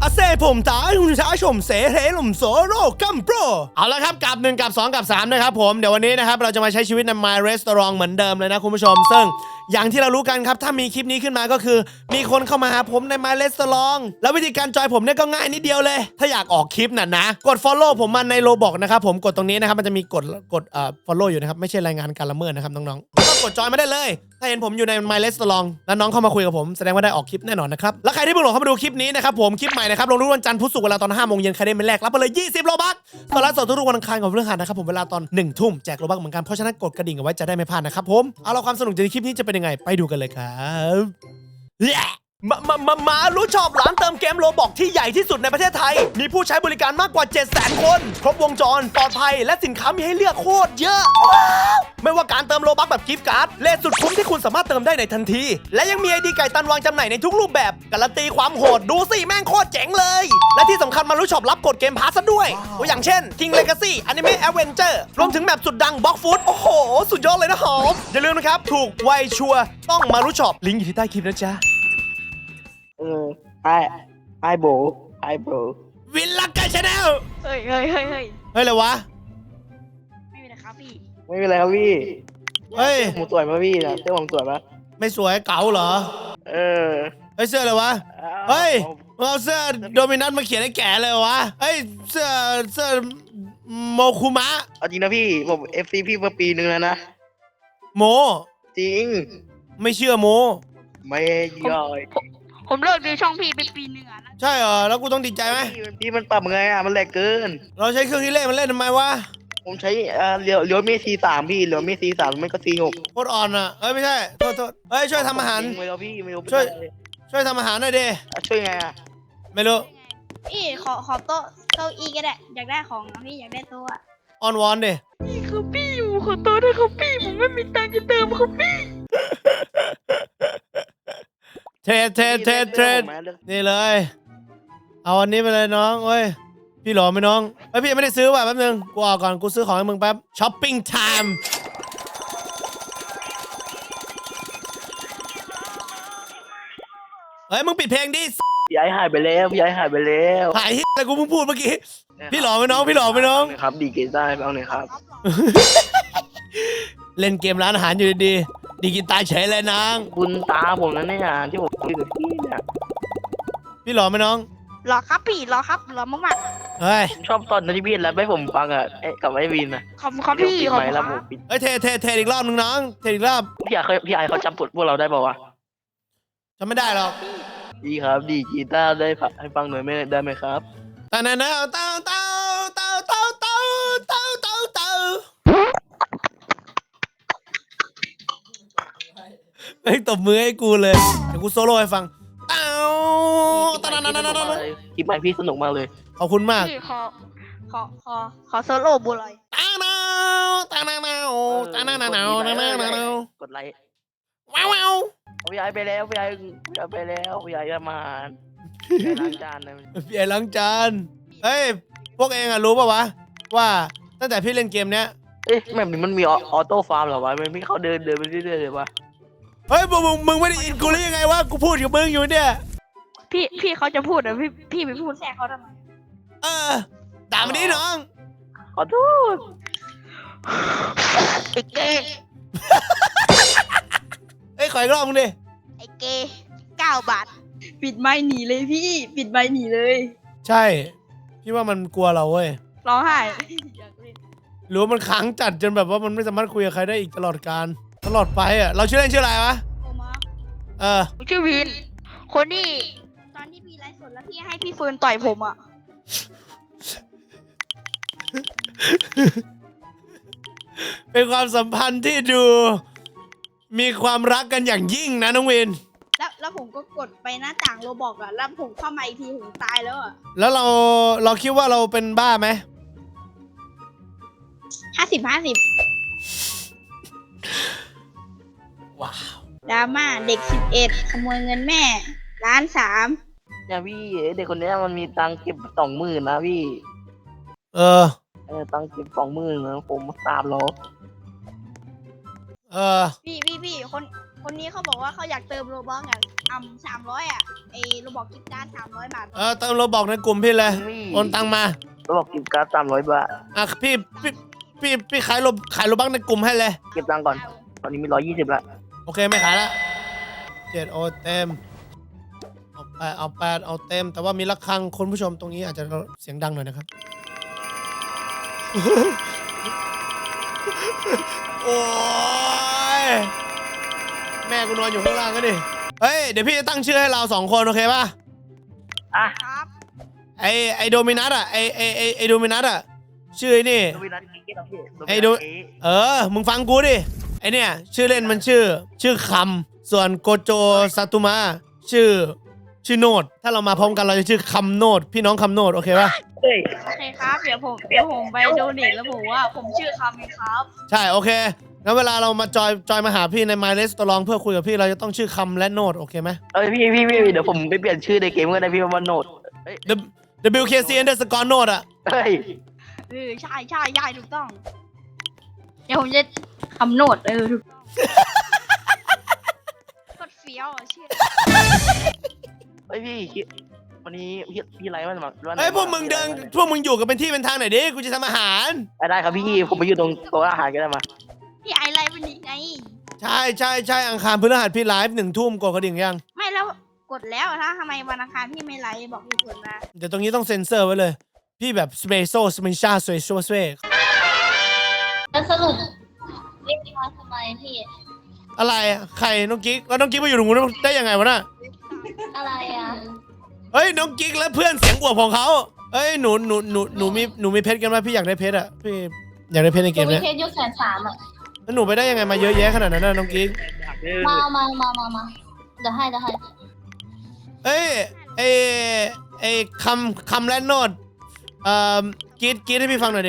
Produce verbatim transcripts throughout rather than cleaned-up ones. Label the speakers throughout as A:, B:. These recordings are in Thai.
A: อาเซ่ผมตายคุณช้าชมเสเฮลมโซโรกัมโปรเอาละครับกับหนึ่งกับสองกับสามนะครับผมเดี๋ยววันนี้นะครับเราจะมาใช้ชีวิตใน My Restaurant เหมือนเดิมเลยนะคุณผู้ชมซึ่งอย่างที่เรารู้กันครับถ้ามีคลิปนี้ขึ้นมาก็คือมีคนเข้ามาหาผมใน My Restaurant แล้ววิธีการจอยผมเนี่ยก็ง่ายนิดเดียวเลยถ้าอยากออกคลิปน่ะนะกด follow ผมมาใน Roblox นะครับผมกดตรงนี้นะครับมันจะมีกดกดเอ่อ follow อยู่นะครับไม่ใช่รายงานการละเมิดนะครับน้องๆก็กดจอยมาได้เลยถ้าเห็นผมอยู่ใน My Restaurant แล้วน้องเข้ามาคุยกับผมแสดงว่าได้ออกคลิปแน่นอนนะครับแล้วใครที่เพิ่งหลงเข้ามาดูคลิปนี้นะครับผมคลิปใหม่นะครับลงทุกวันจันทร์พุธศุกร์เวลาตอนห้าโมงเย็นใครได้เป็นแรกรับไปเลยยี่สิบโลบัคตอนไลฟ์สดทุกวันอังคารกับเรื่องหันนะครับผมเวลาตอนหนึ่งทุ่มแจกโลบัคเหมือนกันเพราะฉะนั้นกดกระดิ่งเอาไว้จะได้ไม่พลาดนะครับผมเอาละความสนุกในคลิปนี้จะเป็นยังไงไปดูกันเลยครับมามามามารู้ชอบร้านเติมเกมโลบอกที่ใหญ่ที่สุดในประเทศไทยมีผู้ใช้บริการมากกว่า เจ็ดแสน คนครบวงจรปลอดภัยและสินค้ามีให้เลือกโคตรเยอะว้าวไม่ว่าการเติมโลบัคแบบกิฟต์การ์ดเลทสุดคุ้มที่คุณสามารถเติมได้ในทันทีและยังมีไอดีไก่ตันวางจำหน่ายในทุกรูปแบบการันตีความโหดดูสิแม่งโคตรเจ๋งเลยและที่สำคัญมารู้ชอบรับกดเกมพาสซะด้วยตัวอย่างเช่น King Legacy Anime Adventure รวมถึงแมปสุดดัง Block Food โอ้โหสุดยอดเลยนะหอมอย่าลืมนะครับถูกไวชัวร์ต้องมารู้ชอบลิงก์อยู่ที่ใต้คลิปนะจ๊ะ
B: เออไอไอโบไอโบ
A: วินลักกันชาแนล
C: เฮ้ยเฮ้ยเฮ้ยเฮ้ย
A: เฮ้ยอะไรวะ
C: ไม่มีนะครับพี่
B: ไม่เป็นไรครับพี่
A: เฮ้ย
B: ผมสวยป่ะพี่นะเสื้อผมสวยป่ะ
A: ไม่สวยเก๋าเหรอ
B: เออ
A: เฮ้ยเสื้ออะไรวะเฮ้ยเอาเสื้อโดมินัสมาเขียนให้แก่เลยวะเฮ้ยเสื้อเสื้อโมคุมะ
B: เอาจริงนะพี่ผมเอฟซีพี่มาปีนึงแล้วนะ
A: โม
B: จริง
A: ไม่เชื่อโม
B: ไม่ย่อย
C: ผมเลิกดูช่องพี่ไปปีหนึ่งอ่ะ
A: ใช่เหรอแล้วกูต้องดีใจไหม
B: พี่มันปรับไงอ่ะมันแหลกเกิน
A: เราใช้เครื่องที่เล่นมันเล่นทำไมวะ
B: ผมใช้อ่าเลียวเลียวเมซีสามพี่เลียวเมซีสามไม่ก็ซีหก
A: โคตรอ่อนอ่ะเอ้ยไม่ใช่โทษโทษเฮ้ยช่วยทำอาหาร
B: ไม่รู้พี่ไม่รู้
A: ช่วยช่วยทำอาหารหน่อยดิ
B: ช่วยไงอ่ะ
A: ไม่รู้
C: พี่ขอขอโต๊ะโต๊ะอีก็ได้อยากได้ของนะพี่อยากได้โต๊ะ
A: ออนวอนดิ
C: นี่คือพี่อยู่ขอโต๊ะด้วยครับพี่ผมไม่มีตังค์จะเติมครับพี่
A: เทรดเทรดเทรดเทรดนี่เลยเอาอันนี้ไปเลยน้องเว้ยพี่หล่อไหมน้องเฮ้ยพี่ยังไม่ได้ซื้อว่ะแป๊บนึงกูออกก่อนกูซื้อของให้มึงแป๊บช้อปปิ้งไทม์เฮ้ยมึงปิดเพลงดิ
B: พี่ไอหายไปแล้วพี่ไอหายไปแล้ว
A: หายอะไรกูเพิ่งพูดเมื่อกี้พี่หล่อไหมน้องพี่หล่อไหมน้อง
B: ครับดีเกต้าเอาหน่อยครับ
A: เล่นเกมร้านอาหารอยู่ดีๆดีกินตาเฉยเลยนาง
B: คุณตาผมนั่นเนี่ยที่ผมคุยกับพี่เนี่ย
A: พี่หล่อไหมน้อง
C: รอครับพี่รอครับรอมาก
A: ๆเฮ้ย
B: ชอบตอนที่พี่แล้วให้ผมฟังอ่ะกับไอ้วินอ่ะ
C: ขอบคุณครับพี่ขอบคุณครับ
A: เฮ้ยเทเทเทอีกรอบนึงน้องเทอีกรอบ
B: พี่ไอเคยพี่ไอเขาจำกดพวกเราได้ป่าวะ
A: จำไม่ได้หรอก
B: ดีครับดีกีตาร์ได้ให้ฟังหน่อยไม่ได้ไหมครับ
A: ตาเนาเต้าเต้าเต้าเต้าเต้าเต้าเต้าเต้าเฮ้ยตบมือให้กูเลยเดี๋ยวกูโซโล่ให้ฟังเต้าตานานานานา
B: คลิปใหม่พี่สนุกมากเลย
A: ขอบคุณมาก
C: พี่ขอขอขอขอโซโล่บัวลอย
A: ตานาตานานาตานานานานานานา
B: กดไลค์
A: ว้าวว้าว
B: พี่ไอไปแล้วพี่ไอพี่ไอไปแล้วพี่ไอจะมาล้างจานเลย
A: พี่ไอล้างจานเฮ้ยพวกเองอะรู้ป่าววะว่าตั้งแต่พี่เล่นเกมเนี้ย
B: เอ๊ะแบบนี้มันมีออโต้ฟาร์มเหรอวะมันไม่เขาเดินเดินไปเรื่อยๆเลยวะ
A: เฮ้ยมึงมึงไม่ได้อินกูหรือยังไงวะกูพูดกับมึงอยู่เนี่ย
C: พี่พี่เขาจะพูดเหรอพี่พี่ไปพูดแทรกเขาทำไม
A: เออด่ามันนี้น้อง
B: ขอโทษ
C: ไอ้เกย์
A: เฮ้ยขออีกรอบมึงดิ
C: ไอ้เกย์เก้าบาทปิดไม้หนีเลยพี่ปิดไม้หนีเลย
A: ใช่พี่ว่ามันกลัวเราเว้ย
C: ร้องไห้
A: หรือว่ามันขังจัดจนแบบว่ามันไม่สามารถคุยกับใครได้อีกตลอดการตลอดไปอ่ะเราชื่อเล่นชื่ออะไรวะเออ
C: ชื่อวินคนที่ตอนที่พี่ไลฟ์สดแล้วพี่ให้พี่เฟิร์นต่อยผมอ่ะ
A: เป็นความสัมพันธ์ที่ดูมีความรักกันอย่างยิ่งนะน้องวิน
C: แล้วแล้วผมก็กดไปหน้าต่างโรบอกอ่ะแล้วผมเข้ามาอีกทีผมตายแล้วอ่ะ
A: แล้วเราเราคิดว่าเราเป็นบ้าไหม
C: ห้าสิบห้าสิบ
A: ว้าว
C: ดราม่าเด็กสิบเอ็ดขโมยเงินแม่ล้านสาม
B: เนี่ยพี่เด็กคนนี้มันมีตังเก็บสองหมื่นนะพี่
A: เออ
B: เออตังเก็บสองหมื่นนะผมสามร้อย
A: เออ
C: พี่พี่พี่คนคคนนี้เขาบอกว่าเขาอยากเติมโรบอทอ่ะอ่ำสามร้อยอ่ะไอโรบอกกิฟต์การ์ดสามร้อยบาท
A: เออเติมเราบอกในกลุ่มพี่เลยโอนตังมา
B: เราบอกกิฟต์การ์ดสามร้อยบาท
A: อ่ะพี่พี่พี่พี่ขายโลขายโลบักในกลุ่มให้เลย
B: เก็บตังค์ก่อนตอนนี้มีร้อยยี่สิบละ
A: โอเคไม่ขายละเจ็ดโอเต็มเอาแปดเอาแปดเอาเต็ม แต่ว่ามีระฆังคุณผู้ชมตรงนี้อาจจะเสียงดังหน่อยนะครับ โอ้ยแม่กูนอนอยู่ข้างล่างก็ดิเฮ้ยเดี๋ยวพี่จะตั้งชื่อให้เราสองคนโอเคป่ะ
B: อ่ะ
C: ครับ
A: ไอไอโดมินัสอ่ะไอไอไอไอโดมินัสอ่ะชื่อไอ้นี่
B: โดมินัสเก๊กพี่
A: ไอ้ดู เออมึงฟังกูดิไอเนี่ยชื่อเล่นมันชื่อ ชื่อคำส่วนโกโจซาตุมะชื่อ ชื่อโนดถ้าเรามาพร้อมกันเราจะชื่อคำโนดพี่น้องคำโนดโอเคป่ะ
B: เฮ้ย
C: โอเคครับเดี๋ยวผมเดี๋ยวผมไปโดเนทแล้วผมว่าผมชื่อคำเองครับ
A: ใช่โอเคงั้นเวลาเรามาจอยจอยมาหาพี่ใน My Restaurant เพื่อคุยกับพี่เราจะต้องชื่อคำและโนดโอเคไหม
B: เอ้ยพี่พี่พี่เดี๋ยวผมไปเปลี่ยนชื่อในเกมก็ได้พี่ว่าโนดเฮ้ย
A: W K C underscore โนดอ่ะ
B: เฮ้ย
C: เออใช่ใช่ใช่ถูกต้อง เดี๋ยวผมจะคำโนดเออถูกต้องกดเฟี้ยวอ่ะชื่อ
B: เฮ้ยพี่คิดวันนี้พี่พี่ไลฟ์วันวัน
A: เฮ้ยพวกมึงเดินพวกมึงอยู่กันเป็นที่เป็นทางหน่อยดิกูจะทำอาหาร
B: ได้ครับพี่ผมไปอยู่ตรงโต๊ะอาหารก็ได้มา
C: พี่ไอไลฟ์วันนี้ไง
A: ใช่ใช่ใช่อังคารพฤหัสพี่ไลฟ์หนึ่งทุ่มกดกระดิ่งยัง
C: ไม่แล้วกดแล้วถ้าทำไมวันอังคารพี่ไม่ไลฟ์บอกเหตุผลมา
A: เดี๋ยวตรงนี้ต้องเซ็นเซอร์ไว้เลย พี่แบบสเปโซสเปนชาสเปโซสเป
D: แล้วสรุปเรียกมาทำไมพี่
A: อะไรอะใครน้องกิ๊กแล้วน้องกิ๊กมาอยู่ตรงนู้นได้ยังไงวะน่ะ
D: อะไรอ่ะ
A: เฮ้ยน้องกิ๊กและเพื่อนเสียงอวบของเขาเฮ้ยหนูหนูหนูหนูมีหนูมีเพชรกันไหมพี่อยากได้เพชรอะพี่อยากได้เพชรในเก
D: กู
A: ม
D: มี
A: เนี้ย
D: เพชรยุคแสนสามอ่ะ
A: แล้วหนูไปได้ยังไงมาเยอะแยะขนาดนั้นน่ะน้องกิ๊ก
D: มามามามามาเดี๋ยวให้เดี๋ยวให้
A: เอ้ยไอไอคำคำและโนดเอ่อกิ๊ดกิ๊ดให้พี่ฟังหน่อยดิ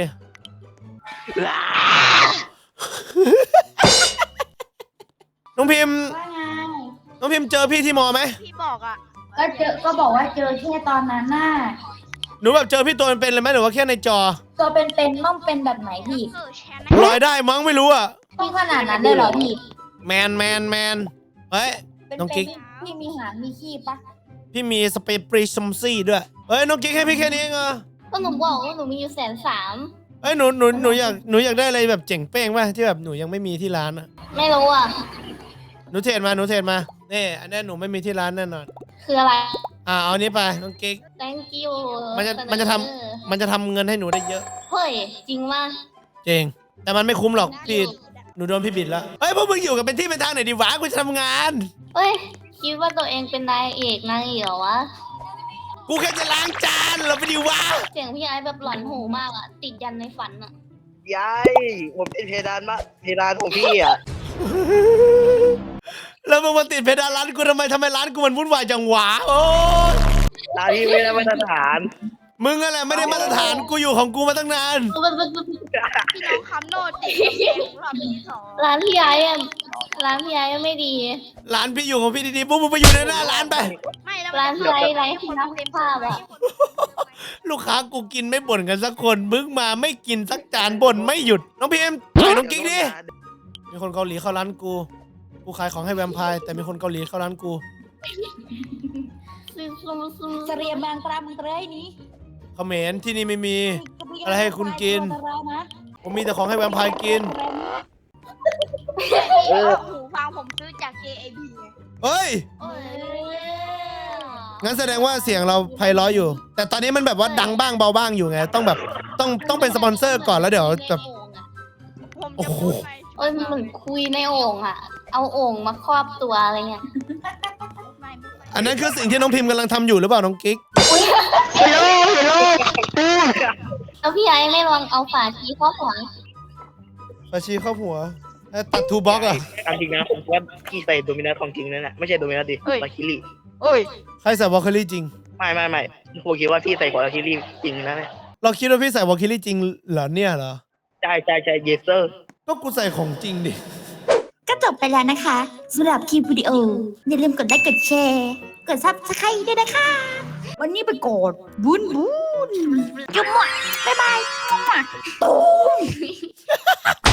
A: น้องพิมพ์
D: ว่าไง
A: น้องพิมพ์เจอพี่ที่มอไหม
C: พี่บอกอ่ะ
D: ก็เจอก็บอกว่าเจอแค่ตอนนั้นน่ะ
A: หนูแบบเจอพี่ตัวเป็นๆเลยไหมหรือว่าแค่ในจอ
D: ตัวเป็นๆต้องเป็นแบบไหนพี่
C: เออแชร์นะ
A: ลอยได้มั้งไม่รู้อะ
D: ต้องขนาดนั้นได้เหรอพี่
A: แมนแมนแมนเฮ้ย
D: เป็น
A: น้องกิ๊ก
D: ๆพี่มีหางมีขี้ปะ
A: พี่มีสเปรย์ปรีซัมซี่ด้วยเฮ้ยน้องกิ๊กให้พี่แค่นี้เองเหรอ
D: ก็หนูบอกว่าหนูมีอยู่แสนสาม
A: เฮ้ยหนูหนูหนูอยากหนูอยากได้อะไรแบบเจ๋งเป้งป่ะที่แบบหนูยังไม่มีที่ร้านอะ
D: ไม่รู้อ่ะ
A: หนูเทรดมาหนูเทรดมานี่อันนี้หนูไม่มีที่ร้านแน่นอน
D: คืออะไร
A: อ่าเอาอันนี้ไปน้องกิ๊ก
D: thank you
A: มันจะมันจะทำมันจะทำเงินให้หนูได้เยอะ
D: เฮ้ยจริงว่า
A: จริงแต่มันไม่คุ้มหรอกพี่หนูโดนพี่บิดแล้วเฮ้ยพวกมึงอยู่กันเป็นที่เป็นทางหน่อยดิวะกูจะทำงาน
D: เฮ้ยคิดว่าตัวเองเป็นนายเอกนางเอกเหรอวะ
A: กูแค่จะล้างจานเราไปดิวะ
D: เสียงพี่ไอ้แบบหลอนหูมากอ่ะ ติดยันในฝันอ่ะ
B: ยายผมเป็นเพดานมะเพดานของพี่อ่ะ
A: แล้วมึงมาติดเพดานร้านกูทำไมทำไมร้านกูมันวุ่นวายจังหวะโอ้ย
B: ร้านที่ไม่ได้มาตรฐาน
A: มึงอะไรไม่ได้มาตรฐานกูอยู่ของกูมาตั้งนาน
C: พี่น้องคำโนดติดแชร์ของเราที่สอง
D: ร้านพี่ไอ้อะร้านพี่ไอ้อะไม่ดี
A: ร้านพี่อยู่ของพี่ดีๆพวกมึงไปอยู่ในหน้าร้านไป
C: ไม่แล้ว
D: ร้านพี่ไอ้ไร้ที่นักภาพอะ
A: ลูกค้ากูกินไม่บ่นกันสักคนมึงมาไม่กินสักจานบ่นไม่หยุดน้องพิมปล่อยน้องกิ๊กดิมีคนเกาหลีเข้าร้านกูกูขายของให้แวมไพร์แต่มีคนเกาหลีเข้าร้านกู
D: เสรียบางตรามเตยนี้
A: เขมรที่นี่ไม่มี อะไรให้คุณกิน ผมมีแต่ของให้แวมไพร์กิน
B: เออ
C: หูฟังผมซื้อจาก เจ เอ พี ไง
A: เฮ้ยงั้นแสดงว่าเสียงเราไพเราะอยู่ แต่ตอนนี้มันแบบว่าดังบ้างเบาบ้างอยู่ไงต้องแบบต้องต้องเป็นสปอนเซอร์ก่อนแล้วเดี๋ยวแบบ
C: ผม
A: โอ้
C: จะ
A: โห
C: พูดไป
D: เอ้ยเหมือนคุยในโอ่งอะเอาโอ่งมาครอบตัวอะไรเงี้ย
C: ไม่ไม่ไม่
A: อันนั้นคือสิ่งที่น้องพิมพ์กำลังทำอยู่หรือเปล่าน้องกิ๊ก
B: ฮัลโหลฮัลโหล
D: แล้วพี่ไอ้ไม่ลองเอาฝาชีครอบหัว
A: ปาชีเข้าหัวแล้วตัดทูบ็อกอะ
B: ตามจริงนะผมว่าพี่ใส่โดมินัสของจริงนั่นแหละไม่ใช่โดมินัสดิลาคิลี่
C: เอ้ย
A: ใครใส่วอลคิลี่จริง
B: ไม่ไม่ไม่ผมคิดว่าพี่ใส่ของลาคิลี่จริงนะเนี่ย
A: เราคิดว่าพี่ใส่วอลคิลี่จริงเหรอเนี่ยเหรอ
B: ใช่ใช่ใช่เยสเซอร์
A: ก็กูใส่ของจริงดิ
E: ก็จบไปแล้วนะคะสำหรับคลิปวิดีโอ อย่าลืมกดไลค์กดแชร์ กดซับสไครต์ด้วยนะคะ วันนี้ไปกดบุญบุญจุ๊บหมดบ๊ายบายจุ๊บหมดตูม